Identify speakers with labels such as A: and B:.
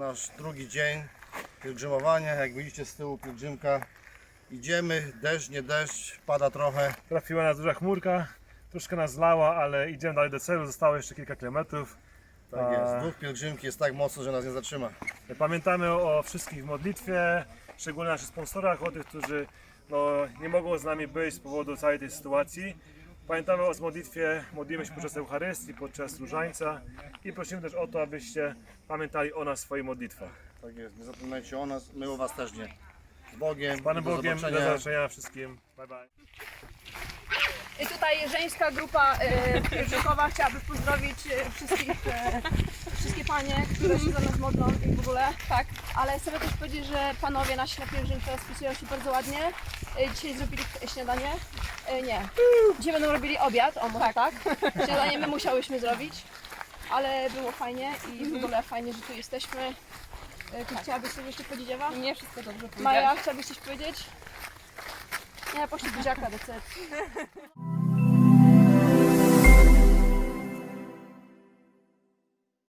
A: nasz drugi dzień pielgrzymowania. Jak widzicie z tyłu pielgrzymka. Idziemy, deszcz, nie deszcz, pada trochę.
B: Trafiła nas duża chmurka, troszkę nas zlała, ale idziemy dalej do celu, zostało jeszcze kilka kilometrów.
A: Tak jest, duch pielgrzymki jest tak mocny, że nas nie zatrzyma.
B: Pamiętamy o wszystkich w modlitwie, szczególnie naszych sponsorach, o tych, którzy nie mogą z nami być z powodu całej tej sytuacji. Pamiętamy o modlitwie, modlimy się podczas Eucharystii, podczas różańca i prosimy też o to, abyście pamiętali o nas w swoich modlitwach.
A: Tak jest, nie zapominajcie o nas, my o was też nie. Z Bogiem,
B: Z Panem
A: do
B: Bogiem, do
A: zobaczenia.
B: zobaczenia wszystkim. Bye bye.
C: I tutaj żeńska grupa pielgrzymkowa chciałaby pozdrowić wszystkie panie, które się za nas modlą i w ogóle. Tak. Ale chcę też powiedzieć, że panowie nasi na pielgrzymce spisują się bardzo ładnie. Dzisiaj zrobili śniadanie. Nie. Dzisiaj będą robili obiad, o może tak. Śniadanie my musiałyśmy zrobić. Ale było fajnie i w ogóle fajnie, że tu jesteśmy. Ty chciałabyś coś jeszcze powiedzieć, Ewa?
D: Nie, wszystko dobrze powiedzieć.
C: Maja, chciałabyś coś powiedzieć? Nie, poszli buziaka do celi.